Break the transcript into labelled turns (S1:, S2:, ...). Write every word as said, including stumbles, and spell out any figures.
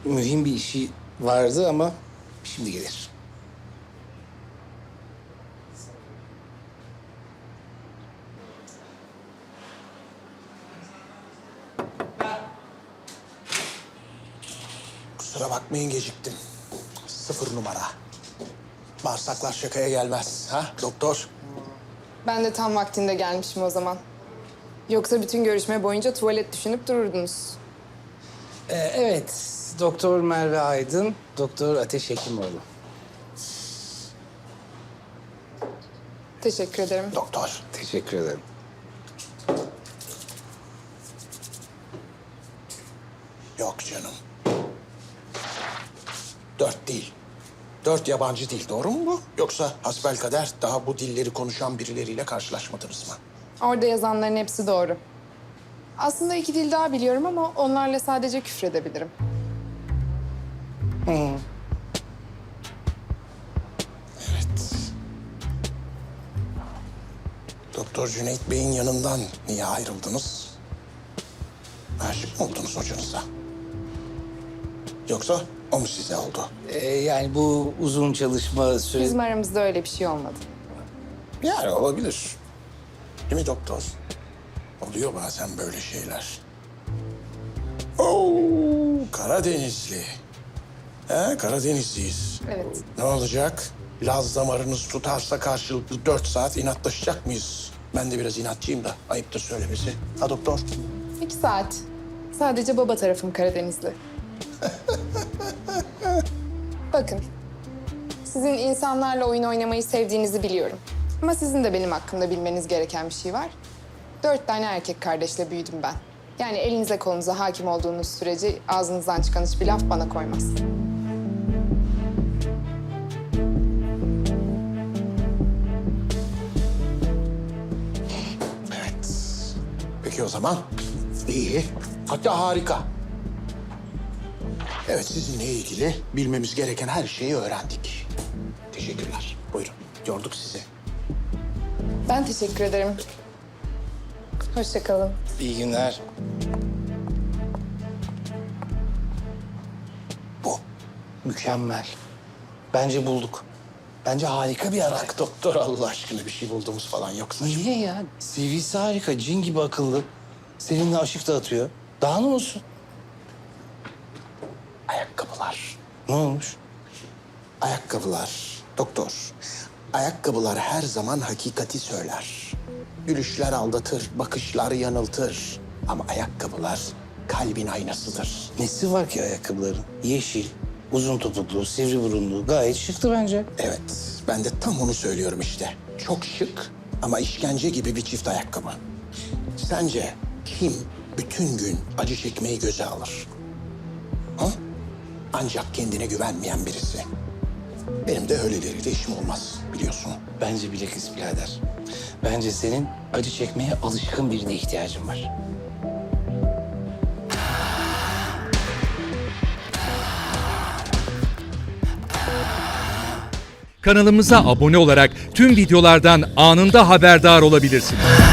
S1: mühim bir işi vardı ama şimdi gelir.
S2: Kusura bakmayın geciktim. Sıfır numara. Bağırsaklar şakaya gelmez. Ha doktor?
S3: Ben de tam vaktinde gelmişim o zaman. Yoksa bütün görüşme boyunca tuvalet düşünüp dururdunuz.
S1: Ee, evet, Doktor Merve Aydın, Doktor Ateş Hekimoğlu.
S3: Teşekkür ederim.
S2: Doktor.
S1: Teşekkür ederim.
S2: Yok canım. Dört değil. Dört yabancı dil, doğru mu bu? Yoksa hasbelkader daha bu dilleri konuşan birileriyle karşılaşmadınız mı?
S3: Orada yazanların hepsi doğru. Aslında iki dil daha biliyorum ama onlarla sadece küfredebilirim.
S2: Evet. Doktor Cüneyt Bey'in yanından niye ayrıldınız? Aşık mı oldunuz hocanıza? Yoksa o mu size oldu?
S1: Ee, yani bu uzun çalışma süresi...
S3: Bizim aramızda öyle bir şey olmadı.
S2: Yani olabilir. Değil mi doktor? Oluyor bazen böyle şeyler. Oo, Karadenizli. He, Karadenizliyiz.
S3: Evet.
S2: Ne olacak? Laz damarınız tutarsa karşılıklı dört saat inatlaşacak mıyız? Ben de biraz inatçıyım da ayıptır söylemesi. Ha doktor?
S3: İki saat. Sadece baba tarafım Karadenizli. Bakın, sizin insanlarla oyun oynamayı sevdiğinizi biliyorum. Ama sizin de benim hakkımda bilmeniz gereken bir şey var. Dört tane erkek kardeşle büyüdüm ben. Yani elinize kolunuza hakim olduğunuz sürece ağzınızdan çıkan hiçbir laf bana koymaz.
S2: Evet. Peki o zaman iyi. Hatta harika. Evet, sizinle ilgili bilmemiz gereken her şeyi öğrendik. Teşekkürler. Buyurun. Yorduk sizi.
S3: Ben teşekkür ederim. Hoşça kalın.
S1: İyi günler.
S2: Bu.
S1: Mükemmel. Bence bulduk. Bence harika bir ara.
S2: Bak doktor, Allah aşkına bir şey buldunuz falan yoksa.
S1: Niye ya? C V'si harika, cin gibi akıllı. Seninle aşık dağıtıyor. Daha ne olsun?
S2: Ayakkabılar.
S1: Ne olmuş?
S2: Ayakkabılar. Doktor. Ayakkabılar her zaman hakikati söyler. Gülüşler aldatır, bakışlar yanıltır. Ama ayakkabılar kalbin aynasıdır.
S1: Nesi var ki ayakkabıların? Yeşil, uzun topuklu, sivri burunlu. Gayet şıktı bence.
S2: Evet, ben de tam onu söylüyorum işte. Çok şık ama işkence gibi bir çift ayakkabı. Sence kim bütün gün acı çekmeyi göze alır? Ha? Ancak kendine güvenmeyen birisi. Benim de öyleleriyle işim olmaz, biliyorsun.
S1: Bence bilakis birader. Bence senin acı çekmeye alışkın birine ihtiyacın var.
S4: Kanalımıza abone olarak tüm videolardan anında haberdar olabilirsiniz.